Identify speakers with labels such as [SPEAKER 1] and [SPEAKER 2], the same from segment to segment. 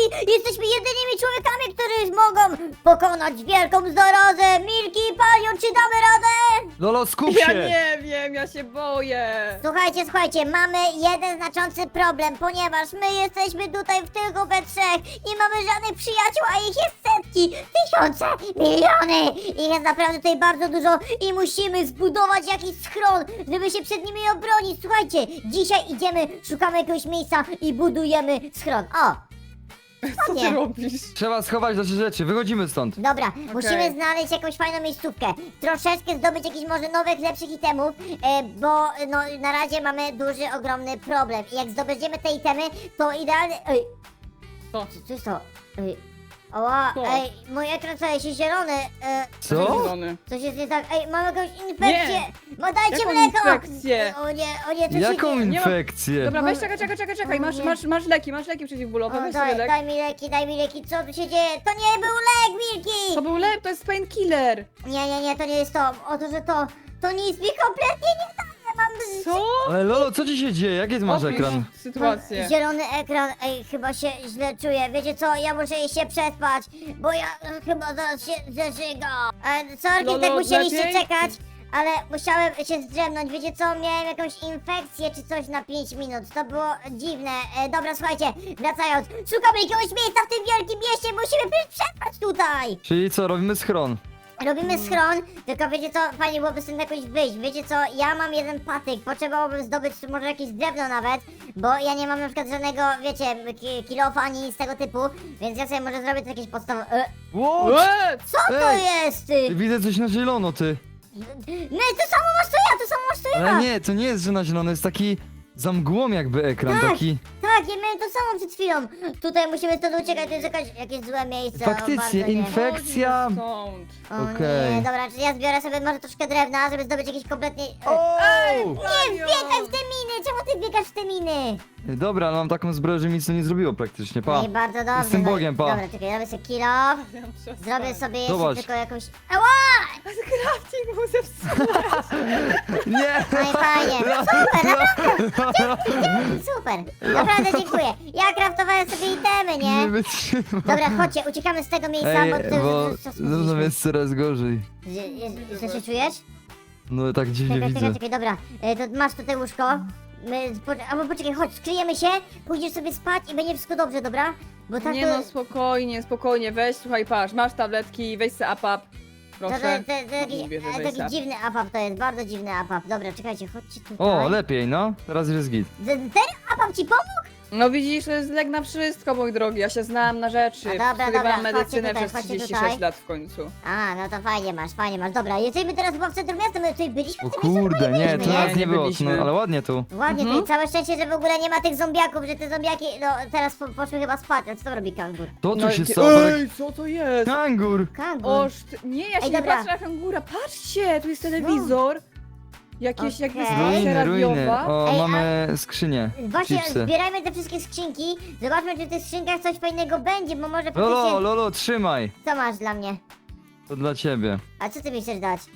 [SPEAKER 1] Jesteśmy jedynymi człowiekami, którzy mogą pokonać wielką zarazę. Milki i Palion, czy damy radę?
[SPEAKER 2] Lolo, skup
[SPEAKER 3] Ja
[SPEAKER 2] się!
[SPEAKER 3] nie wiem, ja się boję.
[SPEAKER 1] Słuchajcie, mamy jeden znaczący problem, ponieważ my jesteśmy tutaj tylko we trzech. Nie mamy żadnych przyjaciół, a ich jest setki, tysiące, miliony. Ich jest naprawdę tutaj bardzo dużo i musimy zbudować jakiś schron, żeby się przed nimi obronić. Słuchajcie, dzisiaj idziemy, szukamy jakiegoś miejsca i budujemy schron. O!
[SPEAKER 3] Co ty
[SPEAKER 1] nie.
[SPEAKER 3] robisz?
[SPEAKER 2] Trzeba schować nasze rzeczy, wychodzimy stąd.
[SPEAKER 1] Dobra, musimy znaleźć jakąś fajną miejscówkę. Troszeczkę zdobyć jakichś może nowych, lepszych itemów, bo no na razie mamy duży, ogromny problem. I jak zdobędziemy te itemy, to idealnie... Ej,
[SPEAKER 3] Co?
[SPEAKER 1] co jest to? Ej, oła,
[SPEAKER 3] Co?
[SPEAKER 1] ej, mój ekran staje się zielony.
[SPEAKER 2] Co?
[SPEAKER 3] Zielony.
[SPEAKER 1] Coś jest nie tak. Ej, mam jakąś infekcję. Dajcie
[SPEAKER 3] Jaką
[SPEAKER 1] mleko.
[SPEAKER 3] infekcję?
[SPEAKER 1] O nie, coś
[SPEAKER 2] Jaką
[SPEAKER 1] się dzieje.
[SPEAKER 2] infekcję?
[SPEAKER 3] Dobra, weź, czekaj.
[SPEAKER 1] O
[SPEAKER 3] Masz,
[SPEAKER 1] nie.
[SPEAKER 3] masz leki przeciwbólowe,
[SPEAKER 1] O,
[SPEAKER 3] weź sobie lek.
[SPEAKER 1] daj mi leki, co tu się dzieje? To nie był lek, Milki!
[SPEAKER 3] To był lek, to jest painkiller.
[SPEAKER 1] Nie, to nie jest to. Oto, że to nic mi kompletnie nie daje. Mam
[SPEAKER 3] Co?
[SPEAKER 2] Ale Lolo, co ci się dzieje? Jaki ty masz
[SPEAKER 3] Opisz
[SPEAKER 2] ekran?
[SPEAKER 3] sytuację.
[SPEAKER 1] zielony ekran. Ej, chyba się źle czuję. Wiecie co? Ja muszę się przespać, bo ja chyba zaraz się zeżygam. Sorki,
[SPEAKER 3] Lolo,
[SPEAKER 1] tak musieliście
[SPEAKER 3] lepiej?
[SPEAKER 1] czekać. Ale musiałem się zdrzemnąć, wiecie co, miałem jakąś infekcję czy coś na 5 minut, to było dziwne. Dobra, słuchajcie, wracając, szukamy jakiegoś miejsca w tym wielkim mieście, musimy przetrwać tutaj.
[SPEAKER 2] Czyli co, robimy schron?
[SPEAKER 1] Robimy schron, tylko wiecie co, fajnie byłoby stąd jakoś wyjść. Wiecie co, ja mam jeden patyk, potrzebowałbym zdobyć może jakieś drewno nawet, bo ja nie mam na przykład żadnego, wiecie, kilofa ani nic z tego typu, więc ja sobie może zrobię to jakieś podstawowe...
[SPEAKER 2] What?
[SPEAKER 1] Co to
[SPEAKER 2] Ej!
[SPEAKER 1] jest, ty?
[SPEAKER 2] Widzę coś na zielono, ty.
[SPEAKER 1] No to samo masz to ja.
[SPEAKER 2] Ale nie, to nie jest, że na zielono, jest taki za mgłą jakby ekran,
[SPEAKER 1] Tak.
[SPEAKER 2] taki...
[SPEAKER 1] Tak, ja miałem to samo przed chwilą. Tutaj musimy stąd uciekać, to jest jakieś złe miejsce.
[SPEAKER 2] Faktycznie,
[SPEAKER 1] bardzo nie.
[SPEAKER 2] infekcja.
[SPEAKER 3] Stąd.
[SPEAKER 1] O
[SPEAKER 2] Okej.
[SPEAKER 1] nie, dobra, czyli ja zbiorę sobie może troszkę drewna, żeby zdobyć jakieś kompletnie... Nie wbiegaj w te miny! Czemu ty biegasz w te miny?
[SPEAKER 2] Dobra, ale mam taką zbroję, że mi nic nie zrobiło praktycznie, pa.
[SPEAKER 1] No i bardzo dobrze.
[SPEAKER 2] Jestem
[SPEAKER 1] no i-
[SPEAKER 2] Bogiem, pa.
[SPEAKER 1] Dobra, czekaj, robię sobie kilo. Zrobię sobie jeszcze
[SPEAKER 2] Zobacz.
[SPEAKER 1] tylko jakąś... Ała!
[SPEAKER 3] Crafting mu zepsułeś.
[SPEAKER 2] Nie!
[SPEAKER 1] No i fajnie. No super, naprawdę. Super. Naprawdę dziękuję. Ja kraftowałem sobie itemy,
[SPEAKER 2] Nie
[SPEAKER 1] nie?
[SPEAKER 2] wytrzymam.
[SPEAKER 1] Dobra, chodźcie, uciekamy z tego miejsca,
[SPEAKER 2] Ej,
[SPEAKER 1] bo to
[SPEAKER 2] bo
[SPEAKER 1] już
[SPEAKER 2] ze mną jest coraz gorzej.
[SPEAKER 1] Co się czujesz?
[SPEAKER 2] No tak dziwnie widzę.
[SPEAKER 1] Czekaj, dobra. To masz tutaj łóżko. Albo poczekaj, chodź, skryjemy się, pójdziesz sobie spać i będzie wszystko dobrze, dobra? Bo tak
[SPEAKER 3] Nie
[SPEAKER 1] to...
[SPEAKER 3] no, spokojnie, weź, słuchaj, patrz, masz tabletki, weź se up. Proszę.
[SPEAKER 1] To jakiś,
[SPEAKER 3] Mówię, że weź
[SPEAKER 1] taki
[SPEAKER 3] up.
[SPEAKER 1] dziwny apap to jest, bardzo dziwny apap. Dobra, czekajcie, chodźcie tutaj.
[SPEAKER 2] O, lepiej, no. Teraz jest git.
[SPEAKER 1] Ten apap ci pomógł?
[SPEAKER 3] No widzisz, to jest lek na wszystko, mój drogi, ja się znam na rzeczy.
[SPEAKER 1] No dobra,
[SPEAKER 3] Studiowałam
[SPEAKER 1] dobra,
[SPEAKER 3] medycynę
[SPEAKER 1] chodźcie
[SPEAKER 3] przez
[SPEAKER 1] tutaj,
[SPEAKER 3] 36
[SPEAKER 1] chodźcie
[SPEAKER 3] lat w końcu.
[SPEAKER 1] A, no to fajnie masz. Dobra, jesteśmy teraz chyba w centrum miasta, my tutaj byliśmy
[SPEAKER 2] O
[SPEAKER 1] w tym miejscu,
[SPEAKER 2] kurde,
[SPEAKER 1] chyba
[SPEAKER 2] nie,
[SPEAKER 1] byliśmy,
[SPEAKER 2] to
[SPEAKER 3] nie?
[SPEAKER 2] nas nie
[SPEAKER 3] Nie
[SPEAKER 2] było,
[SPEAKER 3] byliśmy.
[SPEAKER 2] no, ale ładnie tu.
[SPEAKER 1] Ładnie,
[SPEAKER 3] Mhm.
[SPEAKER 1] tutaj całe szczęście, że w ogóle nie ma tych zombiaków, że te zombiaki, no teraz poszły chyba spać, a co tam robi kangur?
[SPEAKER 2] To
[SPEAKER 3] No
[SPEAKER 2] tu się
[SPEAKER 3] i-
[SPEAKER 2] stało.
[SPEAKER 3] Ej, co to jest?
[SPEAKER 2] Kangur!
[SPEAKER 1] Kangur?
[SPEAKER 3] Oż, nie, ja się
[SPEAKER 1] Ej,
[SPEAKER 3] nie
[SPEAKER 1] dobra.
[SPEAKER 3] patrzę na kangura, patrzcie, tu jest telewizor. Jakieś jakby
[SPEAKER 1] Okej.
[SPEAKER 3] stacja
[SPEAKER 2] Ruiny.
[SPEAKER 3] radiowa.
[SPEAKER 2] O,
[SPEAKER 1] Ej,
[SPEAKER 2] mamy skrzynię.
[SPEAKER 1] Właśnie
[SPEAKER 2] Chipsy.
[SPEAKER 1] zbierajmy te wszystkie skrzynki, zobaczmy czy w tych skrzynkach coś fajnego będzie, bo może
[SPEAKER 2] Lolo,
[SPEAKER 1] faktycznie...
[SPEAKER 2] Lolo, trzymaj.
[SPEAKER 1] Co masz dla mnie?
[SPEAKER 2] To dla ciebie.
[SPEAKER 1] A co ty mi chcesz dać?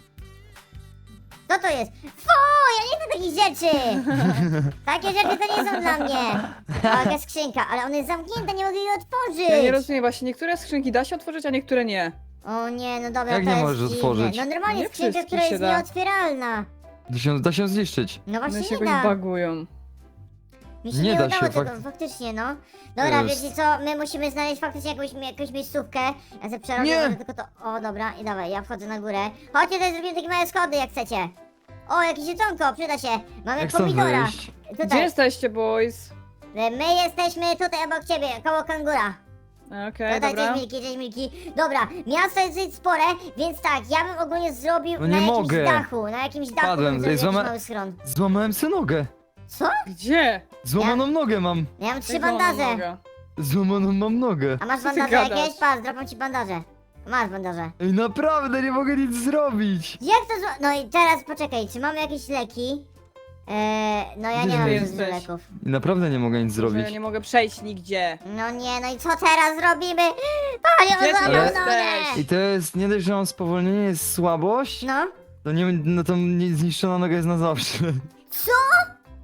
[SPEAKER 1] Co to jest? Fu, ja nie chcę takich rzeczy! Takie rzeczy to nie są dla mnie. O, jaka skrzynka, ale ona jest zamknięta, nie mogę jej otworzyć.
[SPEAKER 3] Ja nie rozumiem, właśnie niektóre skrzynki da się otworzyć, a niektóre nie.
[SPEAKER 1] O nie, no dobra,
[SPEAKER 2] Jak
[SPEAKER 1] to
[SPEAKER 2] nie
[SPEAKER 1] jest
[SPEAKER 2] możesz
[SPEAKER 1] dziwne.
[SPEAKER 2] otworzyć?
[SPEAKER 1] No normalnie
[SPEAKER 3] Nie
[SPEAKER 1] skrzynka,
[SPEAKER 3] wszystkich
[SPEAKER 1] która
[SPEAKER 3] się
[SPEAKER 1] jest
[SPEAKER 3] da.
[SPEAKER 1] nieotwieralna.
[SPEAKER 2] Da się zniszczyć.
[SPEAKER 1] No
[SPEAKER 3] One
[SPEAKER 1] właśnie
[SPEAKER 3] się
[SPEAKER 1] nie
[SPEAKER 3] jakoś
[SPEAKER 1] da.
[SPEAKER 3] bagują.
[SPEAKER 1] Mi się
[SPEAKER 2] Nie
[SPEAKER 1] nie
[SPEAKER 2] da
[SPEAKER 1] udało
[SPEAKER 2] się,
[SPEAKER 1] tego, faktycznie no. Dobra,
[SPEAKER 2] Jest.
[SPEAKER 1] wiecie co, my musimy znaleźć faktycznie jakąś miejscówkę. Ja sobie przerobię
[SPEAKER 2] Nie.
[SPEAKER 1] może tylko to... O, dobra, i dawaj, ja wchodzę na górę. Chodźcie, tutaj zrobimy takie małe schody, jak chcecie. O, jakieś jedzonko, przyda się. Mamy
[SPEAKER 2] Jak stąd
[SPEAKER 1] pomidora.
[SPEAKER 2] wyjść?
[SPEAKER 3] Gdzie
[SPEAKER 1] Tutaj.
[SPEAKER 3] jesteście, boys?
[SPEAKER 1] My jesteśmy tutaj obok ciebie, koło kangura.
[SPEAKER 3] Okej,
[SPEAKER 1] Tutaj,
[SPEAKER 3] dobra.
[SPEAKER 1] cześć Milki. Dobra, miasto jest dosyć spore, więc tak, ja bym ogólnie zrobił
[SPEAKER 2] No
[SPEAKER 1] na
[SPEAKER 2] nie
[SPEAKER 1] jakimś
[SPEAKER 2] mogę.
[SPEAKER 1] dachu. Na jakimś dachu
[SPEAKER 2] Padłem,
[SPEAKER 1] bym zrobił
[SPEAKER 2] złama-
[SPEAKER 1] jakiś mały schron.
[SPEAKER 2] Złamałem sobie nogę.
[SPEAKER 1] Co?
[SPEAKER 3] Gdzie?
[SPEAKER 2] Złamaną nogę mam.
[SPEAKER 1] Ja mam 3
[SPEAKER 3] Jak ona
[SPEAKER 1] bandaże.
[SPEAKER 3] noga?
[SPEAKER 2] Złamaną mam nogę.
[SPEAKER 1] A masz
[SPEAKER 3] Co ty
[SPEAKER 1] bandaże
[SPEAKER 3] gadasz?
[SPEAKER 1] jakieś? Patrz, dropam ci bandaże. Masz bandaże.
[SPEAKER 2] Ej, naprawdę nie mogę nic zrobić.
[SPEAKER 1] Jak to zło... No i teraz poczekaj, czy mamy jakieś leki? No ja
[SPEAKER 2] Gdzie
[SPEAKER 1] nie mam
[SPEAKER 2] ty
[SPEAKER 1] dużo
[SPEAKER 3] jesteś?
[SPEAKER 1] leków.
[SPEAKER 2] I naprawdę nie mogę nic
[SPEAKER 3] Że
[SPEAKER 2] zrobić.
[SPEAKER 3] ja nie mogę przejść nigdzie.
[SPEAKER 1] No nie, no i co teraz zrobimy? Palion
[SPEAKER 3] Gdzie ty
[SPEAKER 1] złamał
[SPEAKER 3] jesteś?
[SPEAKER 1] nogę!
[SPEAKER 2] I to jest, nie dość, że mam spowolnienie, jest słabość,
[SPEAKER 1] No?
[SPEAKER 2] to nie, no to zniszczona noga jest na zawsze.
[SPEAKER 1] Co?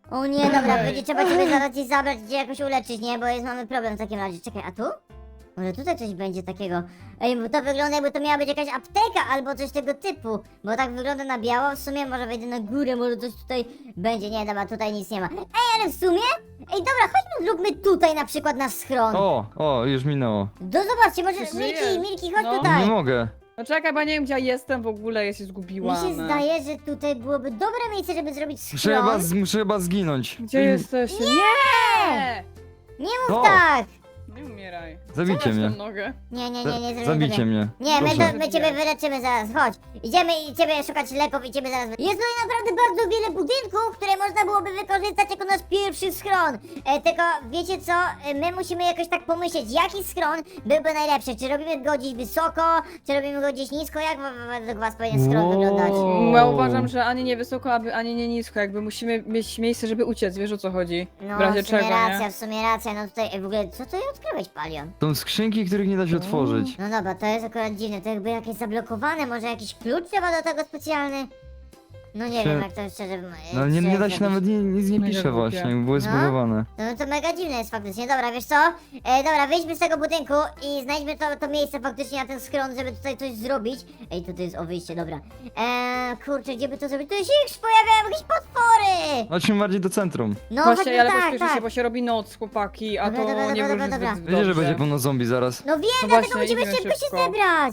[SPEAKER 1] O nie, dobra, będzie trzeba ciebie zaraz gdzieś zabrać, gdzie jakoś uleczyć, nie? Bo mamy problem w takim razie. Czekaj, a tu? Może tutaj coś będzie takiego. Ej, bo to wygląda jakby to miała być jakaś apteka albo coś tego typu. Bo tak wygląda na biało, w sumie może wejdę na górę, może coś tutaj będzie. Nie, dobra, tutaj nic nie ma. Ej, ale w sumie? Ej, dobra, chodźmy, zróbmy tutaj na przykład nasz schron.
[SPEAKER 2] O, już minęło.
[SPEAKER 1] Zobaczcie, może
[SPEAKER 3] Ty
[SPEAKER 1] Milki,
[SPEAKER 3] żyjesz.
[SPEAKER 1] Milki, chodź
[SPEAKER 3] No.
[SPEAKER 1] tutaj.
[SPEAKER 2] Nie mogę.
[SPEAKER 3] No czekaj, bo ja nie wiem gdzie ja jestem w ogóle, ja się
[SPEAKER 1] Mi
[SPEAKER 3] zgubiłam.
[SPEAKER 1] się zdaje, że tutaj byłoby dobre miejsce, żeby zrobić
[SPEAKER 2] Muszę chyba,
[SPEAKER 1] schron.
[SPEAKER 2] muszę chyba zginąć.
[SPEAKER 3] Gdzie jesteście? Nie!
[SPEAKER 1] Nie mów
[SPEAKER 2] O!
[SPEAKER 1] tak!
[SPEAKER 3] Nie umieraj.
[SPEAKER 2] Zabijcie
[SPEAKER 3] Co masz
[SPEAKER 2] mnie.
[SPEAKER 3] tą nogę?
[SPEAKER 1] Nie zrobimy
[SPEAKER 2] Zabicie
[SPEAKER 1] tego.
[SPEAKER 2] mnie.
[SPEAKER 1] Nie,
[SPEAKER 2] Proszę.
[SPEAKER 1] my ciebie wyleczymy zaraz, chodź. Idziemy i ciebie szukać leków i ciebie zaraz Jest tutaj naprawdę bardzo wiele budynków, które można byłoby wykorzystać jako nasz pierwszy schron. Tylko wiecie co, my musimy jakoś tak pomyśleć, jaki schron byłby najlepszy. Czy robimy go gdzieś wysoko, czy robimy go gdzieś nisko, jak według was powinien schron
[SPEAKER 2] Wow.
[SPEAKER 1] wyglądać?
[SPEAKER 3] Ja uważam, że ani nie wysoko, ani nie nisko, jakby musimy mieć miejsce, żeby uciec, wiesz o co chodzi?
[SPEAKER 1] No,
[SPEAKER 3] w razie
[SPEAKER 1] w sumie
[SPEAKER 3] czego,
[SPEAKER 1] racja,
[SPEAKER 3] nie?
[SPEAKER 1] w sumie racja, no tutaj w ogóle, co ty odkryłeś, Palion?
[SPEAKER 2] Są skrzynki, których nie da się otworzyć.
[SPEAKER 1] No dobra, to jest akurat dziwne, to jakby jakieś zablokowane, może jakiś klucz trzeba do tego specjalny? No nie
[SPEAKER 2] Się-
[SPEAKER 1] wiem, jak to szczerze
[SPEAKER 2] No nie da się nawet, nic nie
[SPEAKER 3] Mega
[SPEAKER 2] pisze
[SPEAKER 3] głupie.
[SPEAKER 2] właśnie, jakby były
[SPEAKER 1] No.
[SPEAKER 2] zbugowane.
[SPEAKER 1] No to mega dziwne jest faktycznie, dobra, wiesz co? Dobra, wyjdźmy z tego budynku i znajdźmy to miejsce faktycznie na ten schron, żeby tutaj coś zrobić. Ej, tutaj jest wyjście, dobra. Kurczę, gdzie by to zrobić? Tu się już pojawiają jakieś potwory!
[SPEAKER 2] Chodźmy bardziej do centrum.
[SPEAKER 1] No
[SPEAKER 3] Właśnie,
[SPEAKER 1] chodźmy,
[SPEAKER 3] ale
[SPEAKER 1] tak,
[SPEAKER 3] pośpieszcie
[SPEAKER 1] tak.
[SPEAKER 3] się, bo się robi noc, chłopaki, a
[SPEAKER 1] Dobra,
[SPEAKER 3] to
[SPEAKER 1] dobra,
[SPEAKER 3] nie
[SPEAKER 1] dobra,
[SPEAKER 3] wróży
[SPEAKER 1] dobra.
[SPEAKER 3] zbyt
[SPEAKER 2] Wiecie, że
[SPEAKER 3] dobrze.
[SPEAKER 2] będzie pełno zombie zaraz.
[SPEAKER 1] No wiem,
[SPEAKER 3] No
[SPEAKER 1] dlatego
[SPEAKER 3] właśnie,
[SPEAKER 1] musimy
[SPEAKER 3] idziemy
[SPEAKER 1] szybko się
[SPEAKER 3] szybko.
[SPEAKER 1] zebrać.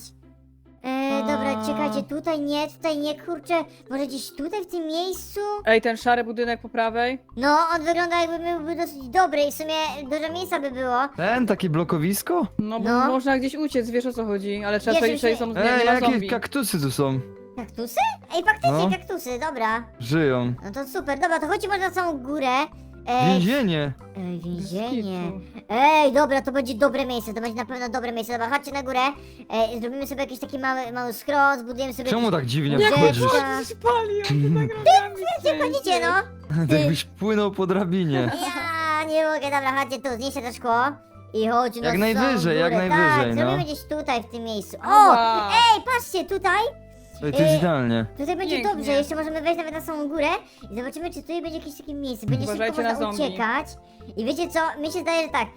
[SPEAKER 1] Dobra,
[SPEAKER 3] A.
[SPEAKER 1] czekajcie, tutaj nie, kurczę, może gdzieś tutaj w tym miejscu?
[SPEAKER 3] Ej, ten szary budynek po prawej?
[SPEAKER 1] No, on wygląda jakby byłby dosyć dobry i w sumie dużo miejsca by było.
[SPEAKER 2] Ten, takie blokowisko?
[SPEAKER 3] No bo
[SPEAKER 1] No.
[SPEAKER 3] można gdzieś uciec, wiesz o co chodzi, ale trzeba
[SPEAKER 1] Wiesz,
[SPEAKER 3] tutaj
[SPEAKER 1] że-
[SPEAKER 3] są, nie
[SPEAKER 2] Ej,
[SPEAKER 3] ma
[SPEAKER 2] jakie
[SPEAKER 3] zombie.
[SPEAKER 2] kaktusy tu są.
[SPEAKER 1] Kaktusy? Ej, faktycznie
[SPEAKER 2] No.
[SPEAKER 1] kaktusy, dobra.
[SPEAKER 2] Żyją.
[SPEAKER 1] No to super, dobra, to chodźmy może na całą górę. Ej,
[SPEAKER 2] Więzienie.
[SPEAKER 1] więzienie.
[SPEAKER 3] Kitu.
[SPEAKER 1] Ej, dobra, to będzie dobre miejsce, to będzie na pewno dobre miejsce. Dobra, chodźcie na górę. Zrobimy sobie jakiś taki mały schron, zbudujemy sobie...
[SPEAKER 2] Czemu tak dziwnie
[SPEAKER 1] Jak
[SPEAKER 2] wchodzisz?
[SPEAKER 1] chodzi?
[SPEAKER 3] Spali, on tak nogami
[SPEAKER 1] Gdzie chodzicie, no?
[SPEAKER 2] Tak jakbyś płynął po drabinie.
[SPEAKER 1] Ja nie mogę, dobra, chodźcie tu, znieście to szkło. I chodź na
[SPEAKER 2] Jak najwyżej,
[SPEAKER 1] samą
[SPEAKER 2] jak
[SPEAKER 1] górę.
[SPEAKER 2] najwyżej,
[SPEAKER 1] Tak,
[SPEAKER 2] no.
[SPEAKER 1] zrobimy gdzieś tutaj, w tym miejscu. O!
[SPEAKER 3] Ała.
[SPEAKER 1] Ej, patrzcie, tutaj!
[SPEAKER 2] Ej, to jest idealnie.
[SPEAKER 1] Tutaj będzie
[SPEAKER 3] Pięknie.
[SPEAKER 1] dobrze, jeszcze możemy wejść nawet na samą górę i zobaczymy, czy tutaj będzie jakieś takie miejsce. Będzie szybko
[SPEAKER 3] Uważajcie na
[SPEAKER 1] można
[SPEAKER 3] zombie.
[SPEAKER 1] uciekać. I wiecie co, mi się zdaje, że tak.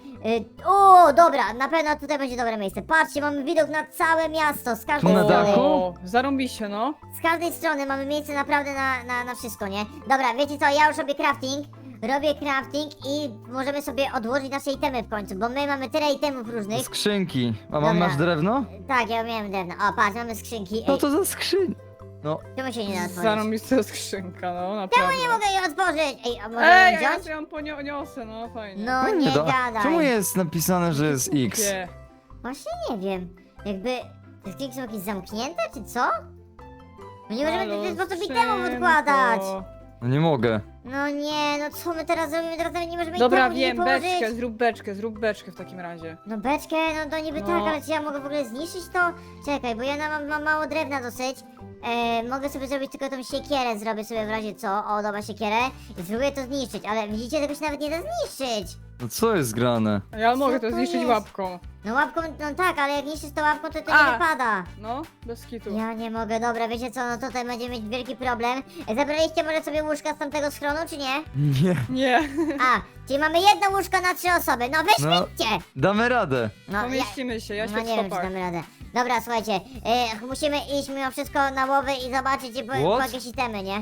[SPEAKER 1] O, dobra, na pewno tutaj będzie dobre miejsce. Patrzcie, mamy widok na całe miasto, z każdej
[SPEAKER 2] Tu na
[SPEAKER 1] strony.
[SPEAKER 2] dachu?
[SPEAKER 3] O, zarąbiście, no.
[SPEAKER 1] Z każdej strony mamy miejsce naprawdę na wszystko, nie? Dobra, wiecie co, ja już robię crafting. Robię crafting i możemy sobie odłożyć nasze itemy w końcu, bo my mamy tyle itemów różnych.
[SPEAKER 2] Skrzynki. A
[SPEAKER 1] Dobra.
[SPEAKER 2] masz drewno?
[SPEAKER 1] Tak, ja miałem drewno. O, patrz, mamy skrzynki.
[SPEAKER 2] No
[SPEAKER 1] Ej,
[SPEAKER 2] to za skrzyń. No,
[SPEAKER 1] czemu się nie da otworzyć?
[SPEAKER 3] Zarąbista skrzynka, no
[SPEAKER 1] Czemu
[SPEAKER 3] naprawdę.
[SPEAKER 1] nie mogę jej otworzyć? Ej, a może
[SPEAKER 3] Ej,
[SPEAKER 1] ją
[SPEAKER 3] ja
[SPEAKER 1] wziąć?
[SPEAKER 3] sobie ją poniosę, no fajnie.
[SPEAKER 1] No nie
[SPEAKER 2] da.
[SPEAKER 1] gadaj.
[SPEAKER 2] Czemu jest napisane, że jest X?
[SPEAKER 3] Gdzie?
[SPEAKER 1] Właśnie nie wiem. Jakby te skrzynki są jakieś zamknięte, czy co? My nie możemy w ten sposób itemów odkładać.
[SPEAKER 2] No nie mogę.
[SPEAKER 1] No nie, no co my teraz robimy? Teraz nawet nie możemy
[SPEAKER 3] Dobra,
[SPEAKER 1] itemów
[SPEAKER 3] wiem,
[SPEAKER 1] położyć.
[SPEAKER 3] zrób beczkę w takim razie.
[SPEAKER 1] No beczkę, no to niby
[SPEAKER 3] No.
[SPEAKER 1] tak, ale czy ja mogę w ogóle zniszczyć to? Czekaj, bo ja mam mało drewna dosyć. Mogę sobie zrobić tylko tą siekierę, zrobię sobie w razie co. O, dobra, siekierę. I spróbuję to zniszczyć, ale widzicie, tego się nawet nie da zniszczyć.
[SPEAKER 2] No co jest grane?
[SPEAKER 3] Ja mogę
[SPEAKER 1] Co
[SPEAKER 3] to
[SPEAKER 1] to
[SPEAKER 3] zniszczyć
[SPEAKER 1] jest?
[SPEAKER 3] łapką.
[SPEAKER 1] No łapką, no tak, ale jak niszczysz to łapką, to
[SPEAKER 3] A.
[SPEAKER 1] nie wypada.
[SPEAKER 3] No, bez kitu.
[SPEAKER 1] Ja nie mogę, dobra, wiecie co, no tutaj będziemy mieć wielki problem. Zabraliście może sobie łóżka z tamtego schronu, czy nie?
[SPEAKER 2] Nie.
[SPEAKER 3] Nie,
[SPEAKER 1] A, czyli mamy jedno łóżko na 3 osoby, no wyśmienicie!
[SPEAKER 2] Damy radę.
[SPEAKER 1] No,
[SPEAKER 3] pomieścimy się, ja
[SPEAKER 1] no
[SPEAKER 3] się
[SPEAKER 1] nie wiem, czy
[SPEAKER 3] wkopam.
[SPEAKER 1] damy radę. Dobra, słuchajcie, musimy iść mimo wszystko na łowy i zobaczyć, czy po
[SPEAKER 2] What?
[SPEAKER 1] jakieś itemy, nie?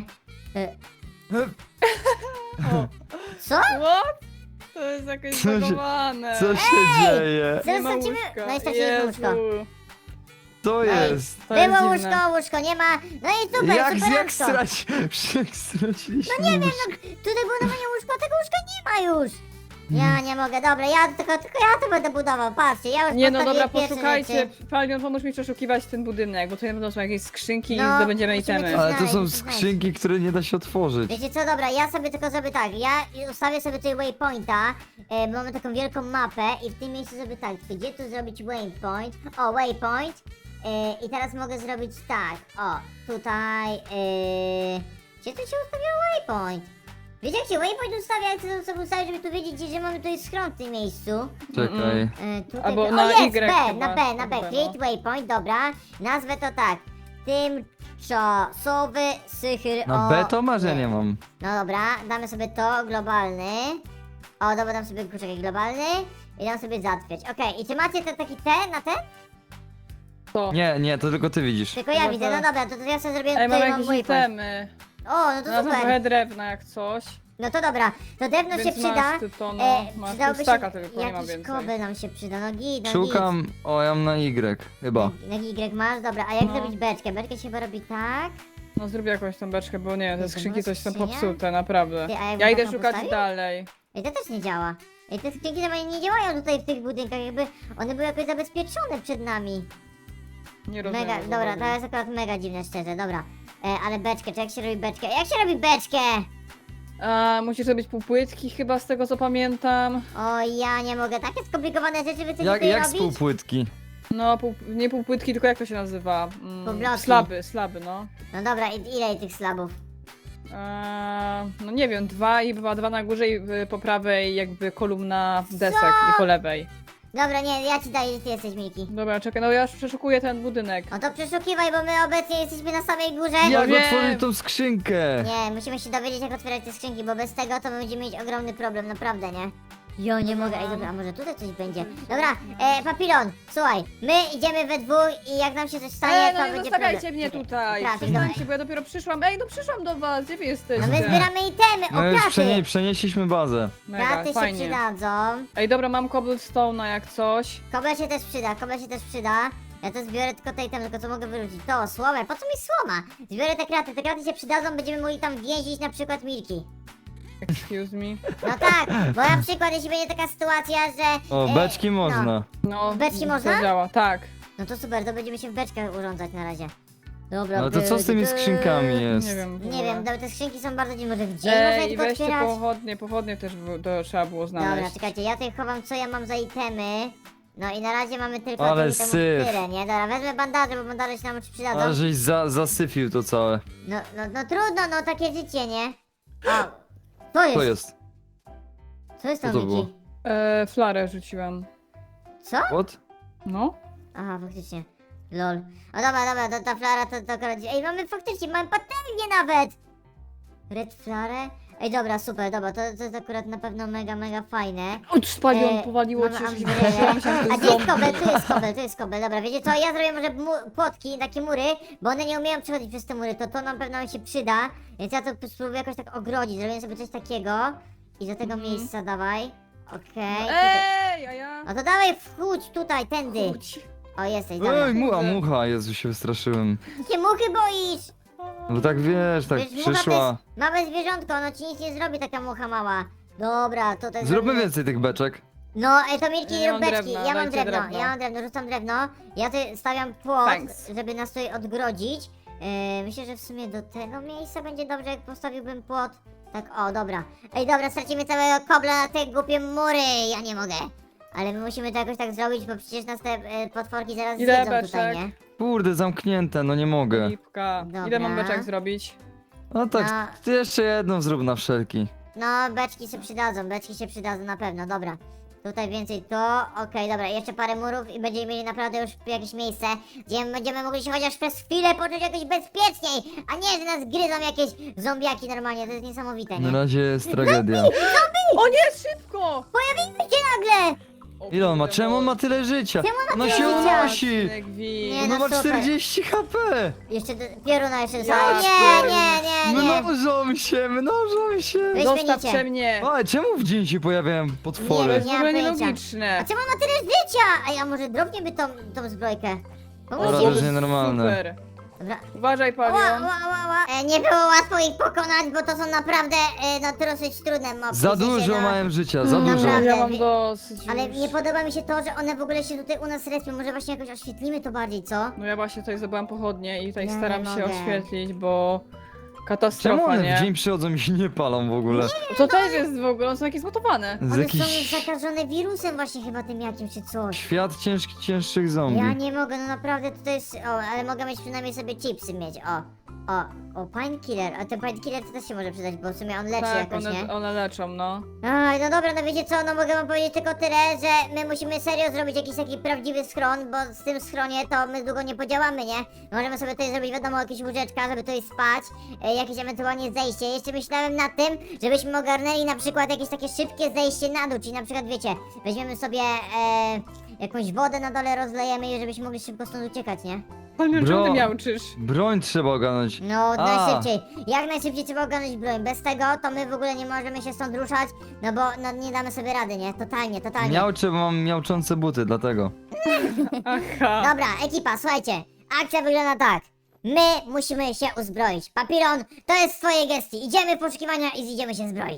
[SPEAKER 3] O,
[SPEAKER 1] Co?
[SPEAKER 3] what? To jest jakieś
[SPEAKER 2] Co się-
[SPEAKER 3] zagowane.
[SPEAKER 2] Co się dzieje?
[SPEAKER 3] Nie ma
[SPEAKER 1] Stracimy-
[SPEAKER 3] łóżka.
[SPEAKER 1] no i straciliśmy łóżko.
[SPEAKER 3] Jezu,
[SPEAKER 2] To
[SPEAKER 1] Ej.
[SPEAKER 2] jest.
[SPEAKER 3] to jest
[SPEAKER 1] Było
[SPEAKER 3] dziwne.
[SPEAKER 1] łóżko nie ma. No i super,
[SPEAKER 2] Jak
[SPEAKER 1] superancko.
[SPEAKER 2] straciliśmy
[SPEAKER 1] No nie wiem,
[SPEAKER 2] łóżko.
[SPEAKER 1] Tutaj było normalnie łóżko, a tego łóżka nie ma już. Ja nie mogę, dobra, ja tylko ja to będę budował, patrzcie, ja już
[SPEAKER 3] Nie no
[SPEAKER 1] postawiłem
[SPEAKER 3] dobra,
[SPEAKER 1] pierwsze
[SPEAKER 3] poszukajcie.
[SPEAKER 1] rzeczy.
[SPEAKER 3] Palion, pomóż mi przeszukiwać ten budynek, bo tutaj będą są jakieś skrzynki i
[SPEAKER 1] No,
[SPEAKER 3] zdobędziemy
[SPEAKER 1] musimy
[SPEAKER 3] itemy.
[SPEAKER 1] coś-
[SPEAKER 2] Ale to są
[SPEAKER 1] Znaleźć,
[SPEAKER 2] skrzynki, które nie da się otworzyć.
[SPEAKER 1] Wiecie co, dobra, ja sobie tylko zrobię tak, ja ustawię sobie tutaj waypointa, bo mamy taką wielką mapę i w tym miejscu sobie tak, gdzie tu zrobić waypoint, o waypoint i teraz mogę zrobić tak, o, tutaj, gdzie tu się ustawiał waypoint? Wiecie jak się waypoint ustawia, jak chcę sobie ustawić, żeby tu wiedzieć, że mamy tutaj schron w tym miejscu.
[SPEAKER 2] Czekaj.
[SPEAKER 1] Tutaj,
[SPEAKER 3] Albo
[SPEAKER 1] o
[SPEAKER 3] na
[SPEAKER 1] jest,
[SPEAKER 3] Y
[SPEAKER 1] B,
[SPEAKER 3] chyba,
[SPEAKER 1] na B,
[SPEAKER 3] chyba,
[SPEAKER 1] create waypoint, dobra, nazwę to tak, tym Czasowy sychyr.
[SPEAKER 2] Na B to masz, ja nie mam.
[SPEAKER 1] No dobra, damy sobie to, globalny. O, dobra, dam sobie kurczak globalny. I dam sobie zatwierdź. Okej, i czy macie taki ten na ten?
[SPEAKER 3] To.
[SPEAKER 2] Nie, to tylko ty widzisz.
[SPEAKER 1] Tylko ja
[SPEAKER 3] Dobra.
[SPEAKER 1] widzę, no dobra, to ja sobie zrobię
[SPEAKER 3] Ej, mam
[SPEAKER 1] tutaj
[SPEAKER 3] jakieś
[SPEAKER 1] mój plan.
[SPEAKER 3] itemy.
[SPEAKER 1] O, no to
[SPEAKER 3] Znalazłem trochę
[SPEAKER 1] super.
[SPEAKER 3] drewna jak coś.
[SPEAKER 1] No to dobra, to drewno się
[SPEAKER 3] Więc
[SPEAKER 1] przyda.
[SPEAKER 3] masz ty to, no, masz
[SPEAKER 1] Przydałoby
[SPEAKER 3] pustaka
[SPEAKER 1] się,
[SPEAKER 3] tylko, nie ma
[SPEAKER 1] jakiś
[SPEAKER 3] więcej.
[SPEAKER 1] kobel nam się przyda, no git, no
[SPEAKER 2] Szukam, o ja mam na Y, chyba.
[SPEAKER 1] git. Na Y masz, dobra, a jak
[SPEAKER 3] No.
[SPEAKER 1] zrobić beczkę? Beczkę się chyba robi tak.
[SPEAKER 3] No zrób jakąś tą beczkę, bo nie, te
[SPEAKER 1] Jezu,
[SPEAKER 3] skrzynki coś są
[SPEAKER 1] skrzynia?
[SPEAKER 3] popsute, naprawdę.
[SPEAKER 1] Ty, a jakby
[SPEAKER 3] Ja idę
[SPEAKER 1] taką
[SPEAKER 3] szukać
[SPEAKER 1] postawić?
[SPEAKER 3] dalej.
[SPEAKER 1] Ej, to też nie działa. Ej, te skrzynki normalnie nie działają tutaj w tych budynkach, jakby one były jakoś zabezpieczone przed nami.
[SPEAKER 3] Nie rozumiem.
[SPEAKER 1] Mega,
[SPEAKER 3] o co
[SPEAKER 1] dobra,
[SPEAKER 3] chodzi.
[SPEAKER 1] to jest akurat mega dziwne, szczerze, dobra. Ale beczkę, czy jak się robi beczkę? Jak się robi beczkę?
[SPEAKER 3] A, musisz zrobić półpłytki chyba z tego co pamiętam.
[SPEAKER 1] O, ja nie mogę, takie skomplikowane rzeczy wy chcecie
[SPEAKER 2] Jak,
[SPEAKER 1] tutaj
[SPEAKER 2] jak z
[SPEAKER 1] robić?
[SPEAKER 2] półpłytki?
[SPEAKER 3] No, nie półpłytki, tylko jak to się nazywa?
[SPEAKER 1] Pobloki.
[SPEAKER 3] Slaby, no.
[SPEAKER 1] No dobra, ile tych slabów?
[SPEAKER 3] No nie wiem, dwa i chyba dwa na górze i po prawej jakby kolumna desek i po lewej.
[SPEAKER 1] Dobra, nie, ja ci daję, że ty jesteś Miki.
[SPEAKER 3] Dobra, czekaj, no ja już przeszukuję ten budynek.
[SPEAKER 1] No to przeszukiwaj, bo my obecnie jesteśmy na samej górze.
[SPEAKER 2] Jak
[SPEAKER 3] wiem.
[SPEAKER 2] otworzyć tą skrzynkę?
[SPEAKER 1] Nie, musimy się dowiedzieć, jak otwierać te skrzynki, bo bez tego to my będziemy mieć ogromny problem, naprawdę, nie? Ja nie mogę, ej dobra, a może tutaj coś będzie? Dobra, Papilon, słuchaj, my idziemy we dwóch i jak nam się coś stanie, to
[SPEAKER 3] no nie
[SPEAKER 1] będzie
[SPEAKER 3] zostawiajcie
[SPEAKER 1] problem.
[SPEAKER 3] mnie tutaj!
[SPEAKER 1] Kraty,
[SPEAKER 3] Przestańcie,
[SPEAKER 1] dawaj.
[SPEAKER 3] bo ja dopiero przyszłam. Ej, no przyszłam do was, gdzie wy
[SPEAKER 1] No
[SPEAKER 3] jesteście?
[SPEAKER 1] my zbieramy itemy,
[SPEAKER 2] My
[SPEAKER 1] o
[SPEAKER 2] już
[SPEAKER 1] kraty!
[SPEAKER 2] przenieśliśmy bazę.
[SPEAKER 3] Mega,
[SPEAKER 1] Kraty się
[SPEAKER 3] fajnie.
[SPEAKER 1] przydadzą.
[SPEAKER 3] Ej, dobra, mam cobblestone'a jak coś.
[SPEAKER 1] Kobel się też przyda, kobel się też przyda. Ja to zbiorę tylko te itemy, tylko co mogę wyrzucić? To, słomę, po co mi słoma? Zbiorę te kraty się przydadzą, będziemy mogli tam więzić na przykład Milki.
[SPEAKER 3] Excuse me.
[SPEAKER 1] No tak, bo na przykład jeśli będzie taka sytuacja, że...
[SPEAKER 2] O, beczki można.
[SPEAKER 3] No,
[SPEAKER 1] Beczki
[SPEAKER 3] to
[SPEAKER 1] można?
[SPEAKER 3] działa, tak.
[SPEAKER 1] No to super, to będziemy się w beczkach urządzać na razie. Dobra,
[SPEAKER 2] Ale to co z tymi skrzynkami jest?
[SPEAKER 3] Nie wiem. w
[SPEAKER 1] Nie
[SPEAKER 3] ogóle.
[SPEAKER 1] wiem, dobra, te skrzynki są bardzo dziwne, może gdzie można je
[SPEAKER 3] Ej,
[SPEAKER 1] tylko
[SPEAKER 3] weźcie
[SPEAKER 1] otwierać?
[SPEAKER 3] pochodnie też to trzeba było
[SPEAKER 1] Dobra,
[SPEAKER 3] znaleźć.
[SPEAKER 1] czekajcie, ja tutaj chowam co ja mam za itemy. No i na razie mamy tylko
[SPEAKER 2] Ale
[SPEAKER 1] tych itemów
[SPEAKER 2] syf.
[SPEAKER 1] tyle, nie? Dobra, wezmę bandaże, bo bandaże się nam przydadzą.
[SPEAKER 2] Ale żeś zasyfił to całe.
[SPEAKER 1] No trudno, no takie życie, nie? O, to jest,
[SPEAKER 2] To jest.
[SPEAKER 1] co jest
[SPEAKER 2] Co
[SPEAKER 1] tam,
[SPEAKER 2] to było?
[SPEAKER 1] Miki?
[SPEAKER 3] Flarę rzuciłam.
[SPEAKER 1] Co?
[SPEAKER 2] What?
[SPEAKER 3] No?
[SPEAKER 1] Aha, faktycznie. Lol. O dobra, ta flara to akurat... Ej, mamy faktycznie, mamy patelnię nawet! Red flarę? Ej, dobra, super, dobra, to jest akurat na pewno mega fajne.
[SPEAKER 3] O, spaliłam, powaliło
[SPEAKER 1] mamy
[SPEAKER 3] cię, że
[SPEAKER 1] Andrzeja.
[SPEAKER 3] myślałam, że to
[SPEAKER 1] A
[SPEAKER 3] jest
[SPEAKER 1] gdzie jest
[SPEAKER 3] zombie.
[SPEAKER 1] kobel? Tu jest kobel, dobra, wiecie co, ja zrobię może płotki, takie mury, bo one nie umieją przechodzić przez te mury, to na pewno mi się przyda, więc ja to spróbuję jakoś tak ogrodzić, zrobię sobie coś takiego i do tego miejsca dawaj, okej.
[SPEAKER 3] Ej, a ja?
[SPEAKER 1] No to dawaj, wchódź tutaj, tędy.
[SPEAKER 3] Chodź.
[SPEAKER 1] O, jesteś, dobra.
[SPEAKER 2] Ej, mucha, Jezu, się wystraszyłem.
[SPEAKER 1] Jakie muchy boisz?
[SPEAKER 2] No tak wiesz, tak
[SPEAKER 1] Wiesz, mucha to
[SPEAKER 2] przyszła.
[SPEAKER 1] jest małe zwierzątko, ono ci nic nie zrobi, taka mucha mała. Dobra, to też
[SPEAKER 2] Zróbmy
[SPEAKER 1] zrobimy-
[SPEAKER 2] więcej tych beczek.
[SPEAKER 1] No, to Milki,
[SPEAKER 3] Ja
[SPEAKER 1] rób
[SPEAKER 3] mam
[SPEAKER 1] beczki,
[SPEAKER 3] drewno,
[SPEAKER 1] ja mam
[SPEAKER 3] dajcie
[SPEAKER 1] drewno,
[SPEAKER 3] drewno.
[SPEAKER 1] ja mam drewno, rzucam drewno. Ja tu stawiam płot,
[SPEAKER 3] Thanks.
[SPEAKER 1] żeby nas tutaj odgrodzić. Myślę, że w sumie do tego miejsca będzie dobrze, jak postawiłbym płot. Tak, o, dobra. Ej, dobra, stracimy całego kobla na te głupie mury, ja nie mogę. Ale my musimy to jakoś tak zrobić, bo przecież nas te potworki zaraz
[SPEAKER 3] Ile
[SPEAKER 1] zjedzą
[SPEAKER 3] beczek?
[SPEAKER 1] tutaj, nie?
[SPEAKER 2] Kurde, zamknięte, no nie mogę.
[SPEAKER 3] Lipka.
[SPEAKER 1] Dobra.
[SPEAKER 3] Ile mam beczek zrobić?
[SPEAKER 2] No tak,
[SPEAKER 1] No.
[SPEAKER 2] ty jeszcze jedną zrób na wszelki.
[SPEAKER 1] No, beczki się przydadzą na pewno, dobra. Tutaj więcej to, okej, dobra, jeszcze parę murów i będziemy mieli naprawdę już jakieś miejsce, gdzie będziemy mogli się chociaż przez chwilę poczuć jakoś bezpieczniej, a nie, że nas gryzą jakieś zombiaki normalnie, to jest niesamowite,
[SPEAKER 2] Na
[SPEAKER 1] nie?
[SPEAKER 2] razie jest tragedia.
[SPEAKER 3] O nie, szybko!
[SPEAKER 1] Pojawimy się nagle!
[SPEAKER 3] O
[SPEAKER 2] Ile on ma?
[SPEAKER 3] kurde,
[SPEAKER 2] Czemu on ma
[SPEAKER 3] mój.
[SPEAKER 2] tyle życia?
[SPEAKER 1] Czemu on ma
[SPEAKER 2] Ona
[SPEAKER 1] tyle
[SPEAKER 2] się
[SPEAKER 1] życia?
[SPEAKER 2] unosi!
[SPEAKER 3] Mocny gwint.
[SPEAKER 1] Nie,
[SPEAKER 2] Ona
[SPEAKER 1] no
[SPEAKER 2] ma
[SPEAKER 1] super.
[SPEAKER 2] 40 HP!
[SPEAKER 1] Jeszcze pioruna jeszcze
[SPEAKER 3] Ja
[SPEAKER 1] dostała. Nie.
[SPEAKER 2] Mnożą się, mnożą się!
[SPEAKER 1] Weź
[SPEAKER 3] Zostaw
[SPEAKER 1] wynicie.
[SPEAKER 3] prze mnie!
[SPEAKER 2] Ale czemu w dzień się pojawiają
[SPEAKER 1] Nie
[SPEAKER 3] To
[SPEAKER 2] potwory?
[SPEAKER 3] jest w ogóle
[SPEAKER 1] Nie mam pojęcia.
[SPEAKER 3] nielogiczne.
[SPEAKER 1] A czemu on ma tyle życia? Ej, a może dropniemy tą zbrojkę?
[SPEAKER 2] Dobra,
[SPEAKER 1] Pomóżcie
[SPEAKER 2] to
[SPEAKER 1] mi.
[SPEAKER 2] jest nienormalne.
[SPEAKER 3] Super.
[SPEAKER 1] Dobra.
[SPEAKER 3] Uważaj,
[SPEAKER 1] Ła.
[SPEAKER 3] Palion.
[SPEAKER 1] Nie było łatwo ich pokonać, bo to są naprawdę, no dosyć trudne mobki.
[SPEAKER 2] Za
[SPEAKER 1] w sensie,
[SPEAKER 2] dużo
[SPEAKER 1] no.
[SPEAKER 2] miałem życia, za dużo.
[SPEAKER 1] Naprawdę.
[SPEAKER 3] Ja mam dosyć
[SPEAKER 1] Ale
[SPEAKER 3] już.
[SPEAKER 1] nie podoba mi się to, że one w ogóle się tutaj u nas respią. Może właśnie jakoś oświetlimy to bardziej, co?
[SPEAKER 3] No ja właśnie tutaj zdobyłam pochodnie i tutaj
[SPEAKER 1] Ja
[SPEAKER 3] staram
[SPEAKER 1] nie
[SPEAKER 3] się
[SPEAKER 1] mogę.
[SPEAKER 3] oświetlić, bo
[SPEAKER 2] Czemu
[SPEAKER 3] katastrofa,
[SPEAKER 2] one w
[SPEAKER 3] nie?
[SPEAKER 2] dzień przychodzą i się nie palą w ogóle?
[SPEAKER 3] To też jest w ogóle, one są jakieś zmutowane.
[SPEAKER 2] Z
[SPEAKER 1] One
[SPEAKER 2] jakichś...
[SPEAKER 1] są zakażone wirusem właśnie chyba tym jakimś czy coś.
[SPEAKER 2] Świat cięższych zombie.
[SPEAKER 1] Ja nie mogę, no naprawdę to jest... O, ale mogę mieć przynajmniej sobie chipsy mieć, o. O, painkiller, a ten painkiller to też się może przydać, bo w sumie on leczy
[SPEAKER 3] Tak,
[SPEAKER 1] jakoś, nie?
[SPEAKER 3] one leczą, no.
[SPEAKER 1] Oj, no dobra, no wiecie co, no mogę wam powiedzieć tylko tyle, że my musimy serio zrobić jakiś taki prawdziwy schron, bo z tym schronie to my długo nie podziałamy, nie? Możemy sobie tutaj zrobić, wiadomo, jakieś łóżeczka, żeby tutaj spać, jakieś ewentualnie zejście. Jeszcze myślałem nad tym, żebyśmy ogarnęli na przykład jakieś takie szybkie zejście na dół, czyli na przykład, wiecie, weźmiemy sobie jakąś wodę na dole, rozlejemy i żebyśmy mogli szybko stąd uciekać, nie?
[SPEAKER 3] Ale
[SPEAKER 2] Bro.
[SPEAKER 3] czemu ty miałczysz?
[SPEAKER 2] Broń trzeba ogarnąć.
[SPEAKER 1] No,
[SPEAKER 2] A.
[SPEAKER 1] najszybciej. Jak najszybciej trzeba ogarnąć broń. Bez tego to my w ogóle nie możemy się stąd ruszać, no bo no, nie damy sobie rady, nie? Totalnie, totalnie.
[SPEAKER 2] Miałcze, bo mam miałczące buty, dlatego.
[SPEAKER 3] Aha.
[SPEAKER 1] Dobra, ekipa, słuchajcie. Akcja wygląda tak. My musimy się uzbroić. Papilon, to jest w twojej gestii. Idziemy w poszukiwania i idziemy się zbroić.